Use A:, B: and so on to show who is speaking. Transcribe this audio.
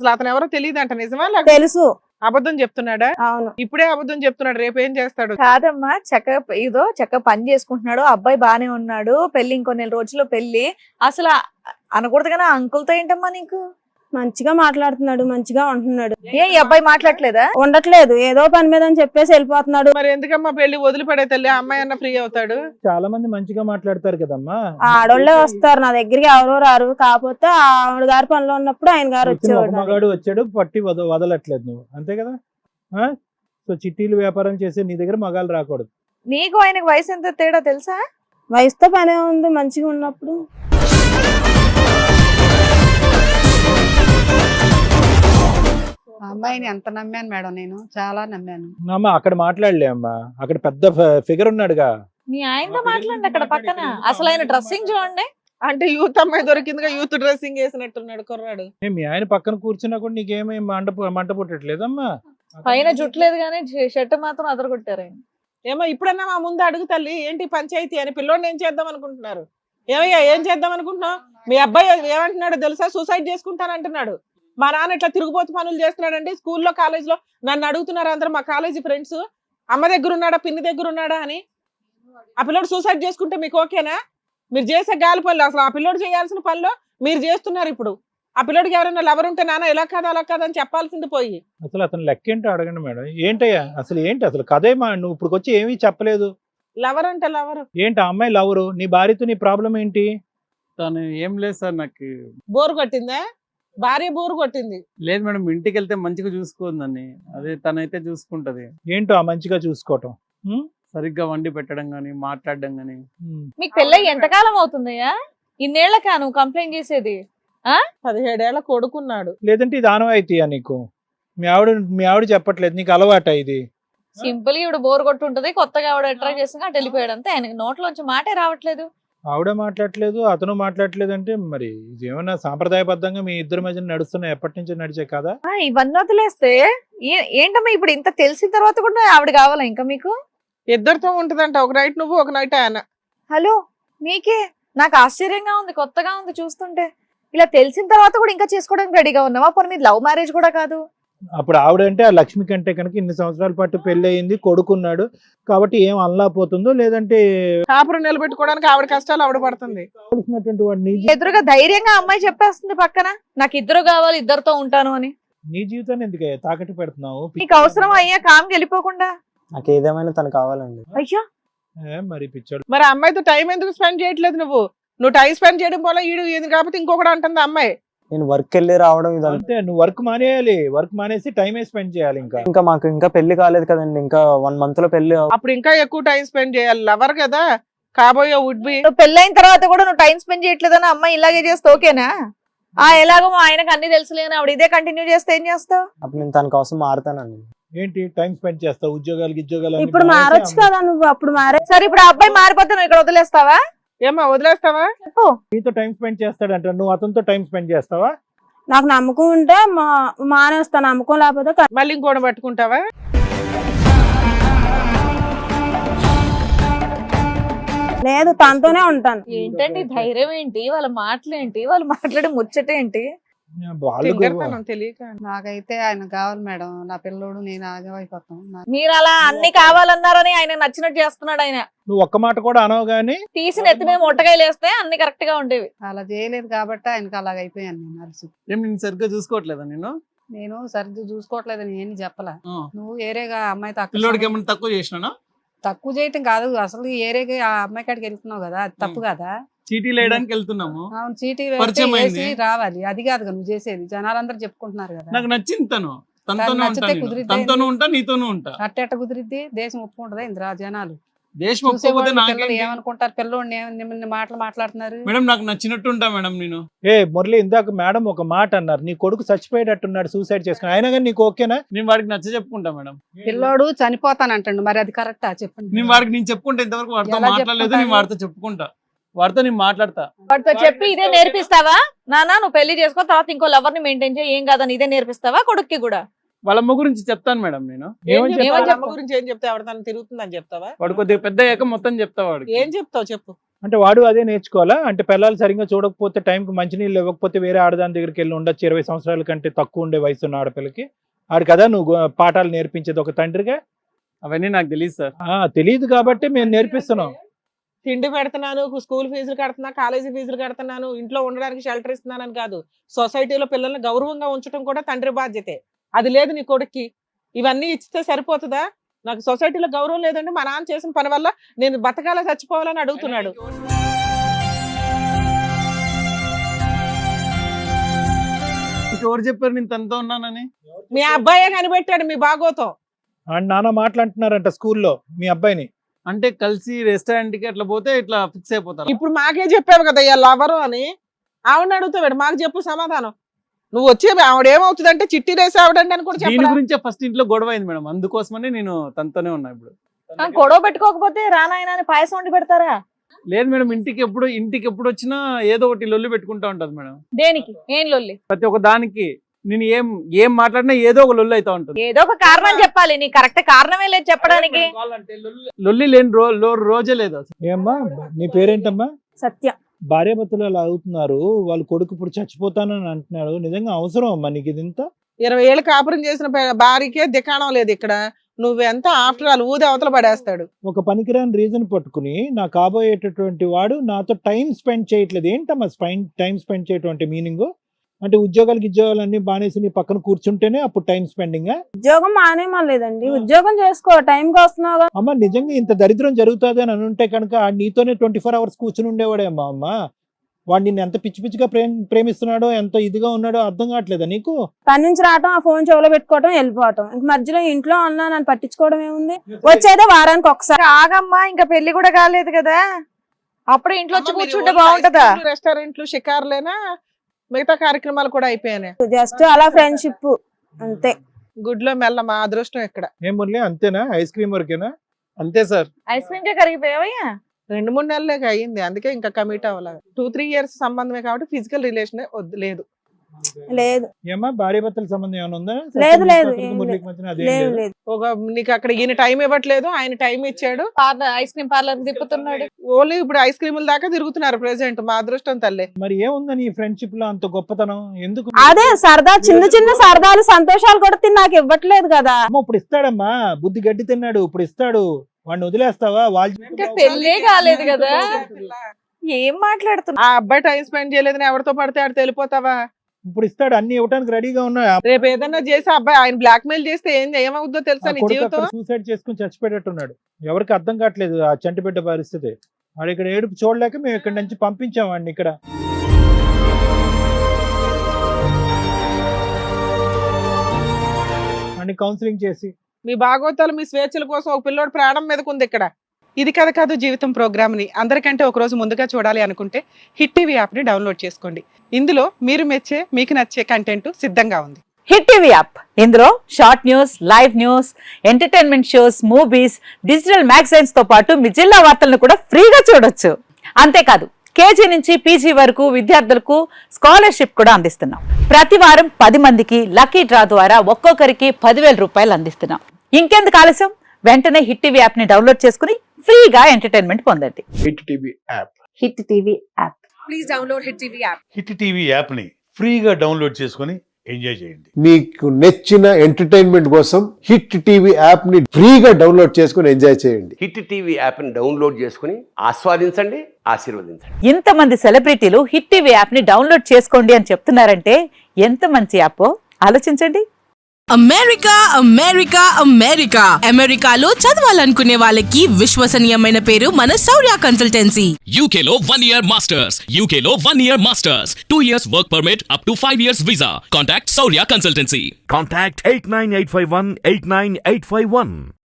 A: అసలు అతను ఎవరో తెలియదంట, నిజమా
B: తెలుసు.
A: అబద్ధం చెప్తున్నాడా?
B: అవును.
A: ఇప్పుడే అబద్ధం చెప్తున్నాడు, రేపు ఏం చేస్తాడు?
C: కాదమ్మా, చక్కగా పని చేసుకుంటున్నాడు, అబ్బాయి బానే ఉన్నాడు, పెళ్లి ఇంకో నెల రోజుల్లో పెళ్లి. అసలు అనకూడదు కానీ అంకుల్తో ఏంటమ్మా నీకు?
B: మంచిగా మాట్లాడుతున్నాడు, మంచిగా ఉంటున్నాడు.
C: ఏ ఈ అబ్బాయి మాట్లాడలేదా?
B: ఉండట్లేదు, ఏదో పని మీద అని చెప్పేసి వెళ్ళిపోతున్నాడు.
A: మరి ఎందుకమ్మా పెళ్లి వదిలిపడే తల్లి, ఆ అమ్మాయి అన్న ఫ్రీ అవుతాడు.
D: చాలా మంది మంచిగా మాట్లాడతారు కదమ్మా.
B: ఆడోళ్ళే వస్తారు నా దగ్గరికి, ఎవరో రారు. కాకపోతే ఆవిడ గారి పనిలో ఉన్నప్పుడు ఆయన గారు వచ్చేవాడు.
D: మగాడు వచ్చాడు పట్టి వదలట్లేదు నువ్వు, అంతే కదా. సో చిట్టీలు వ్యాపారం చేసే నీ దగ్గర మగాళ్ళు రాకూడదు.
C: నీకు ఆయనకు వయసు ఎంత తేడా తెలుసా?
B: వయసుతో పనే ఉంది, మంచిగా ఉన్నప్పుడు.
E: అమ్మాయిని ఎంత నమ్మాను మేడం, నేను చాలా నమ్మాను.
D: అమ్మా అక్కడ మాట్లాడలే అమ్మా, అక్కడ పెద్ద ఫిగర్ ఉన్నాడుగా.
C: మీ ఆయనతో మాట్లాడండి అక్కడ పక్కన. అసలు ఆయన డ్రెస్సింగ్ చూడండి.
A: అంటే యూత్ అమ్మాయి దొరికిందిగా, యూత్ డ్రెస్సింగ్ వేసినట్టున్నాడు కుర్రాడు.
D: మీ ఆయన పక్కన కూర్చున్నా కూడా నీకేమీ మంట పుట్టట్లేదమ్మా.
C: పైన జుట్లేదు కానీ షర్ట్ మాత్రం అదరగొట్టారు ఆయన.
A: ఏమో ఇప్పుడన్నా మా ముందు అడుగు తల్లి, ఏంటి పంచాయతీ అని, పిల్లోడిని ఏం చేద్దాం అనుకుంటున్నారు? ఏమయ్యా ఏం చేద్దాం అనుకుంటున్నావు? మీ అబ్బాయి ఏమంటున్నాడు తెలుసా? సూసైడ్ చేసుకుంటానంటున్నాడు. మా నాన్న ఇట్లా తిరుగుబోతు పనులు చేస్తున్నాడండి. స్కూల్లో కాలేజ్లో నన్ను అడుగుతున్నారు అందరూ, మా కాలేజీ ఫ్రెండ్స్, అమ్మ దగ్గర ఉన్నాడా పిన్ని దగ్గర ఉన్నాడా అని. ఆ పిల్లోడు సూసైడ్ చేసుకుంటే మీకు ఓకేనా? మీరు చేసే గాలి పనులు, అసలు ఆ పిల్లోడు చేయాల్సిన పనులు మీరు చేస్తున్నారు. ఇప్పుడు ఆ పిల్లోడికి ఎవరైనా లవర్ ఉంటే నాన్న ఎలా కాదు అలా కాదని చెప్పాల్సింది పోయి.
D: అసలు అతను లెక్క ఏంటో అడగండి మేడం. ఏంటయ్యా అసలు ఏంటి అసలు కదేమా? నువ్వు ఇప్పుడు వచ్చి ఏమీ చెప్పలేదు.
A: లవర్ అంటే లవర్
D: ఏంటి ఆ అమ్మాయి లవరు? నీ భార్యతో నీ ప్రాబ్లం ఏంటి?
F: తను ఏం లేదు సార్, నాకు
A: బోరు కొట్టిందా? భార్య బోరు కొట్టింది.
F: లేదు మేడం, ఇంటికి వెళ్తే మంచిగా చూసుకోందని, అదే తనైతే చూసుకుంటది.
D: ఏంటో ఆ మంచిగా చూసుకోవటం?
F: సరిగ్గా వండి పెట్టడం గానీ, మాట్లాడడం గానీ.
C: మీకు పెళ్ళై ఎంతకాలం అవుతుందయ్యా? ఇన్నేళ్లకా నువ్వు కంప్లైంట్ చేసేది?
A: 17 ఏళ్ల కొడుకున్నాడు.
D: లేదంటే ఇది ఆనవాయితీయా నీకు? మీ ఆవిడ చెప్పట్లేదు నీకు అలవాట ఇది?
C: సింపుల్ గా ఇవిడ బోర్ కొట్టుంటది, కొత్తగా ఆవిడ అట్రాక్ట్ చేసి అటు వెళ్ళిపోయాడు అంతే. ఆయనకి నోట్లోంచి మాటే రావట్లేదు.
D: ఆవిడ మాట్లాడట్లేదు, అతను మాట్లాడట్లేదు అంటే మరి ఇదేమన్నా సాంప్రదాయబద్ధంగా మీ ఇద్దరి మధ్య నడుస్తున్న ఎప్పటి నుంచి నడిచే కదా?
C: ఇవన్నీ వదిలేస్తే ఏంటమ్మా ఇప్పుడు ఇంత తెలిసిన తర్వాత కూడా ఆవిడ కావాలా ఇంకా మీకు?
A: ఇద్దరితో ఉంటదంట, ఒక నైట్ నువ్వు ఒక నైట్ ఆయన.
C: హలో, మీకే నాకు ఆశ్చర్యంగా ఉంది, కొత్తగా ఉంది చూస్తుంటే. ఇలా తెలిసిన తర్వాత కూడా ఇంకా చేసుకోవడానికి రెడీగా ఉన్నావా? పోనీ మీది లవ్ మ్యారేజ్ కూడా కాదు.
D: అప్పుడు ఆవిడ అంటే ఆ లక్ష్మి కంటే కనుక ఇన్ని సంవత్సరాల పాటు పెళ్లి అయింది, కొడుకున్నాడు కాబట్టి ఏం అల్లాపోతుందో, లేదంటే
A: కాపురం నిలబెట్టుకోవడానికి ఆవిడ కష్టాలు ఆవిడ పడుతుంది.
C: ఎదురుగా ధైర్యంగా అమ్మాయి చెప్పేస్తుంది పక్కన, నాకు ఇద్దరు కావాలి, ఇద్దరితో ఉంటాను అని.
D: నీ జీవితాన్ని ఎందుకు తాకట్టు పెడుతున్నావు?
C: నీకు అవసరం అయ్యా కామ్కి వెళ్ళిపోకుండా?
G: నాకు ఏదేమైనా తను కావాలండి.
C: అయ్యా
D: మరి పిచ్చాడు.
A: మరి అమ్మాయితో టైం ఎందుకు స్పెండ్ చేయట్లేదు నువ్వు? టైం స్పెండ్ చేయడం వల్ల ఈడు కాకపోతే ఇంకొకటి అంటుంది అమ్మాయి.
G: నేను వర్క్ వెళ్ళి రావడం
D: అంతే. నువ్వు వర్క్ మానేయాలి, వర్క్ మానేసి టైమే స్పెండ్ చేయాలి.
G: ఇంకా మాకు ఇంకా పెళ్లి కాలేదు కదండి, ఇంకా 1 month లో పెళ్లి.
A: అప్పుడు ఇంకా ఎక్కువ టైం స్పెండ్ చేయాలి. లవర్ కదా, కాబోయే వుడ్ బి.
C: నువ్వు పెళ్ళైన తర్వాత కూడా నువ్వు టైం స్పెండ్ చేయట్లేదని అమ్మాయి ఇలాగే చేస్తే ఓకేనా? ఎలాగో మా ఆయనకు అన్ని తెలుసులేని ఆవిడ ఇదే కంటిన్యూ చేస్తే ఏం చేస్తావు?
G: అప్పుడు నేను తన కోసం మారుతానండి.
D: ఏంటి టైం స్పెండ్ చేస్తావు? ఉద్యోగాలు
B: ఇప్పుడు మారొచ్చు కదా నువ్వు, అప్పుడు మారే.
C: సరే ఇప్పుడు ఆ అబ్బాయి మారిపోతే నువ్వు ఇక్కడ వదిలేస్తావా?
A: ఏమా వదిలేస్తావా?
C: చెప్పు.
D: నీతో టైం స్పెండ్ చేస్తాడంట, నువ్వు అతనితో టైం స్పెండ్ చేస్తావా?
B: నాకు నమ్మకం ఉంటే మానేస్తాను, నమ్మకం లేకపోతే
A: మళ్ళీ ఇంకోటి పట్టుకుంటావా?
B: లేదు, తనతోనే ఉంటాను.
C: ఏంటండి ధైర్యం ఏంటి? వాళ్ళ మాటలేంటి? వాళ్ళు మాట్లాడే ముచ్చటేంటి?
A: తెలియక
E: నాకైతే ఆయన కావాలి మేడం, నా పిల్లోడు నేను ఆగమైపోతాం.
C: మీరు అలా అన్ని కావాలన్నారని ఆయన నచ్చినట్టు చేస్తున్నాడు ఆయన.
D: నువ్వు ఒక్క మాట కూడా అనవు గానీ
C: తీసి నెత్తి మీద ముట్టకాయలు వేస్తే అన్ని కరెక్ట్ గా ఉండేవి.
E: అలా చేయలేదు కాబట్టి ఆయనకు అలాగ అయిపోయాను నేను అలసి.
F: ఏం నేను సరిగ్గా చూసుకోవట్లేదా?
E: నేను సరిగ్గా చూసుకోవట్లేదని ఏం చెప్పలా. నువ్వు ఏరేగా అమ్మాయి
F: పిల్లోడికి ఏమన్నా తక్కువ చేసినా?
E: తక్కువ చేయటం కాదు, అసలు ఏరేగా ఆ అమ్మాయి కాడికి వెళ్తున్నావు కదా, అది తప్పు కదా.
F: చీటీలు వేయడానికి వెళ్తున్నాము.
E: అవును, చీటీ
F: పరిచయం
E: వేసి
F: అయింది.
E: రావాలి, అది కాదు నువ్వు చేసేది. జనాలందరూ చెప్పుకుంటున్నారు కదా.
F: నాకు నచ్చింది తను,
E: తనతోనే
F: నచ్చితే
E: ఉంటాను,
F: కుదిరితే తనతోనూ ఉంటా, నీతోనూ ఉంటా.
E: అట్టెట్ట కుదిరిద్ది? దేశం ఒప్పుకుంటదా ఇంద్రా? జనాలు
F: దేశం ఒప్పుకోకపోతే
E: పిల్లలు ఏమనుకుంటారు? పిల్లోడిని నిన్న మాటలు మాట్లాడుతున్నారు
F: మేడం. నాకు నచ్చినట్టు ఉంటా మేడం నేను.
D: మురళి ఇందాక మేడం ఒక మాట అన్నారు, నీ కొడుకు చచ్చిపోయేటట్టున్నాడు సూసైడ్ చేసుకుని, అయినా కానీ నీకు ఓకేనా?
F: నేను వాడికి నచ్చ చెప్పుకుంటా మేడం.
E: పిల్లోడు చనిపోతానంటాడు, మరి అది కరెక్టా చెప్పండి?
F: నేను వాడికి నేను చెప్పుకుంటా, ఇంతవరకు వాడితో
E: ఎలా
F: మాట్లాడలేదు. నేను
E: చెప్పుకుంటాను?
F: వాడితో చెప్పుకుంటా, వాడితో నేను మాట్లాడతా.
C: వాడితో చెప్పి ఇదే నేర్పిస్తావా? నానా నువ్వు పెళ్లి చేసుకో, తర్వాత ఇంకో లవర్ ని మెయింటైన్ చేయి, ఏం కాదని ఇదే నేర్పిస్తావా కొడుక్కి కూడా?
F: వాళ్ళ అమ్మ గురించి చెప్తాను మేడం నేను.
A: ఏమని
C: చెప్తావు?
A: అమ్మ గురించి ఏం చెప్తావు? ఎవరితో తిరుగుతుందని చెప్తావా?
F: వాడు కొద్దిగా పెద్ద అయ్యాక మొత్తం చెప్తా వాడికి.
A: ఏం చెప్తావు చెప్పు.
D: అంటే వాడు అదే నేర్చుకోవాలా? అంటే పిల్లలు సరిగ్గా చూడకపోతే, టైంకి మంచినీళ్ళు ఇవ్వకపోతే వేరే ఆడదాని దగ్గరికి వెళ్ళి ఉండొచ్చు 20 సంవత్సరాల కంటే తక్కువ ఉండే వయసు ఉన్న ఆడపిల్లకి. ఆడు కదా నువ్వు పాఠాలు నేర్పించేది ఒక తండ్రిగా.
F: అవన్నీ నాకు తెలియదు సార్.
D: తెలియదు కాబట్టి మేము నేర్పిస్తున్నాం.
A: తిండి పెడుతున్నాను, స్కూల్ ఫీజులు కడుతున్నా, కాలేజీ ఫీజులు కడుతున్నాను, ఇంట్లో ఉండడానికి షెల్టర్ ఇస్తున్నానని కాదు, సొసైటీలో పిల్లల్ని గౌరవంగా ఉంచడం కూడా తండ్రి బాధ్యతే. అది లేదు నీ కొడుక్కి. ఇవన్నీ ఇచ్చితే సరిపోతుందా? నాకు సొసైటీలో గౌరవం లేదంటే మా నాన్న చేసిన పని వల్ల నేను బతకాల చచ్చిపోవాలని అడుగుతున్నాడు.
F: ఎవరు చెప్పారు నేను తనతో ఉన్నానని?
A: మీ అబ్బాయే కనిపెట్టాడు మీ బాగోతం.
D: అండ్ నాన్న మాట్లాడుతున్నారంట స్కూల్లో మీ అబ్బాయిని.
F: అంటే కలిసి రెస్టారెంట్ కి అట్లా పోతే ఇట్లా ఫిక్స్ అయిపోతారు.
A: ఇప్పుడు మాకే చెప్పావు కదా ఇలా లవరు అని. ఆవిడని అడుగుతాడు, మాకు చెప్పు సమాధానం. నువ్వు వచ్చి ఆవిడ ఏమవుతుందంటే చిట్టి రేసి ఆవిడండి అని కూడా
F: దీని
A: చెప్పాలి.
F: గురించే ఫస్ట్ ఇంట్లో గొడవ అయింది మేడం, అందుకోసమని నేను తనతోనే ఉన్నా ఇప్పుడు.
C: గొడవ పెట్టుకోకపోతే రానాయన అని పాయసం వండి పెడతారా?
F: లేదు మేడం, ఇంటికి ఎప్పుడు వచ్చినా ఏదో ఒకటి లొల్లి పెట్టుకుంటా ఉంటది మేడం.
C: దేనికి? ఏం లొల్లి?
F: ప్రతి ఒక్క దానికి నేను ఏం మాట్లాడినా ఏదో ఒక లొల్లి అవుతా ఉంటుంది.
C: ఏదో ఒక కారణం చెప్పాలి, నీ కరెక్ట్ కారణమే లేదు చెప్పడానికి.
F: లొల్లి లేని రోజే లేదు అసలు.
D: ఏమ్మా నీ పేరేంటమ్మా?
B: సత్య.
D: భార్యాభర్తలు అలా అవుతున్నారు, వాళ్ళ కొడుకు ఇప్పుడు చచ్చిపోతానని అంటున్నాడు. నిజంగా అవసరం అమ్మా నీకు ఇదింత?
A: 20 ఏళ్ళు కాపురం చేసిన భార్యకే దికాణం లేదు ఇక్కడ. నువ్వెంత ఆఫ్టర్ ఆల్ ఊది అవతల పడేస్తాడు.
D: ఒక పనికిరాని రీజన్ పట్టుకుని నా కాబోయేటటువంటి వాడు నాతో టైం స్పెండ్ చేయట్లేదు. ఏంటమ్మా టైం స్పెండ్ చేయటం అంటే మీనింగ్? అంటే ఉద్యోగాలు అన్ని బానేసి నీ పక్కన కూర్చుంటేనే అప్పుడు టైం స్పెండింగ్?
B: ఉద్యోగం మానేమలేదండి, ఉద్యోగం చేసుకో, టైంకి వస్తున్నావు.
D: అమ్మ నిజంగా ఇంత దరిద్రం జరుగుతుంది అని అనుంటే కనుక నీతోనే 24 hours కూర్చుని ఉండేవాడేమ్మా. అమ్మ వాడు నిన్ను ఎంత పిచ్చి పిచ్చిగా ప్రేమిస్తున్నాడో, ఎంత ఇదిగా ఉన్నాడో అర్థం కావట్లేదా నీకు?
B: పని నుంచి రావటం, ఆ ఫోన్ చెవులో పెట్టుకోవటం, వెళ్ళిపోవటం. ఇంక మధ్యలో ఇంట్లో ఉన్నా నన్ను పట్టించుకోవడం ఏముంది? వచ్చేదే వారానికి ఒకసారి.
C: ఆగమ్మా, ఇంకా పెళ్లి కూడా కాలేదు కదా, అప్పుడు ఇంట్లో వచ్చి కూర్చుంటే బాగుంటదా?
A: రెస్టారెంట్లు షికారులేనా, మిగతా కార్యక్రమాలు కూడా అయిపోయాయి.
B: జస్ట్ అలా ఫ్రెండ్షిప్ అంతే.
A: గుడ్లో మెల్ల మా అదృష్టం ఇక్కడ.
D: ఏం మురళి అంతేనా? ఐస్ క్రీమ్ వరకేనా?
F: అంతే సార్.
C: ఐస్ క్రీమ్ కే కరిగిపోయావయ్యా?
A: 2-3 నెలలే అయ్యింది, అందుకే ఇంకా కమిట్ అవ్వలేదు. 2-3 years సంబంధమే కాబట్టి ఫిజికల్ రిలేషన్ లేదు.
B: లేదు.
D: ఏమా భార్యాభర్తల సంబంధం ఏమైనా ఉందా?
B: లేదు లేదు
D: మురళికి మధ్యన అదేం
B: లేదు
D: లేదు.
B: లేదు.
A: ఒక నీకు అక్కడ ఈయన టైం ఇవ్వట్లేదు, ఆయన టైం ఇచ్చాడు.
C: ఐస్ క్రీమ్ పార్లర్ తిప్పుతున్నాడు.
A: ఓన్లీ ఇప్పుడు ఐస్ క్రీముల దాకా తిరుగుతున్నారు ప్రెసెంట్. మా అదృష్టం తల్లే.
D: మరి ఏముందని ఈ ఫ్రెండ్షిప్ లో అంత గొప్పతనం ఎందుకు?
B: అదే సరదా, చిన్న చిన్న సరదాలు సంతోషాలు కూడా నాకు ఇవ్వట్లేదు కదా.
D: అమ్మ ఇప్పుడు ఇస్తాడమ్మా, బుద్ధి గడ్డి తిన్నాడు, ఇప్పుడు ఇస్తాడు. వాడిని వదిలేస్తావా?
C: ఇంకా పెళ్ళే కాలేదు కదా, ఏం మాట్లాడుతున్నా?
A: ఆ అబ్బాయి టైం స్పెండ్ చేయలేదని ఎవరితో పడితే ఆడు తెలిపోతావా?
D: ఇప్పుడు ఇస్తాడు, అన్ని ఇవ్వడానికి రెడీగా ఉన్నా.
A: రేపు ఏదన్నా చేసి అబ్బాయి ఆయన బ్లాక్ మెయిల్ చేస్తే ఏమవుద్దో తెలుసా నీ జీవితం?
D: సూసైడ్ చేసుకుని చచ్చిపోయేటట్టున్నాడు. ఎవరికి అర్థం కావట్లేదు ఆ చంటి బిడ్డ పరిస్థితి. వాడు ఇక్కడ ఏడుపు చూడలేక మేము ఇక్కడ నుంచి పంపించాం వాడిని ఇక్కడ. వాడిని కౌన్సిలింగ్ చేసి.
A: మీ భాగవతాలు మీ స్వేచ్ఛల కోసం ఒక పిల్లోడు ప్రాణం మీదకుంది ఇక్కడ. ఇది కథ కాదు జీవితం ప్రోగ్రామ్ ని అందరికంటే ఒక రోజు ముందుగా చూడాలి అనుకుంటే హిట్ టీవీ యాప్ ని డౌన్లోడ్ చేసుకోండి. ఇందులో మీరు మెచ్చే, మీకు నచ్చే కంటెంట్ సిద్ధంగా ఉంది.
H: హిట్ టీవీ యాప్, ఇందులో short news, live news, entertainment shows, movies, digital magazines తో పాటు మీ జిల్లా వార్తలను కూడా ఫ్రీగా చూడొచ్చు. అంతేకాదు కేజీ నుంచి పీజీ వరకు విద్యార్థులకు స్కాలర్షిప్ కూడా అందిస్తున్నాం. ప్రతి వారం 10 మందికి లక్కీ డ్రా ద్వారా ఒక్కొక్కరికి 10,000 రూపాయలు అందిస్తున్నాం. ఇంకెందుకు ఆలస్యం, వెంటనే హిట్ టీవీ యాప్ ని డౌన్లోడ్ చేసుకుని ఫ్రీగా ఎంటర్టైన్మెంట్ పొందండి.
I: Hit TV app.
H: Hit TV app.
C: Please download hit TV app.
I: Hit TV app ని ఫ్రీగా డౌన్లోడ్ చేసుకొని ఎంజాయ్ చేయండి.
J: మీకు నచ్చిన ఎంటర్టైన్మెంట్ కోసం హిట్ టీవీ యాప్ ని ఫ్రీగా డౌన్లోడ్ చేసుకొని ఎంజాయ్ చేయండి.
K: హిట్ టీవీ యాప్ ని డౌన్లోడ్ చేసుకుని ఆస్వాదించండి, ఆశీర్వదించండి.
H: ఇంతమంది సెలబ్రిటీలు హిట్ టీవీ యాప్ ని డౌన్లోడ్ చేసుకోండి అని చెప్తున్నారంటే ఎంత మంచి యాప్ ఆలోచించండి.
L: అమెరికా అమెరికా అమెరికా అమెరికాలో చదవాలనుకునే వాళ్ళకి విశ్వసనీయమైన పేరు మన శౌర్య కన్సల్టెన్సీ.
M: UK లో 1 year masters, UK లో 1 year masters, 2 years work permit up to 5 years visa. Contact Saurya Consultancy.
N: Contact 89851 89851.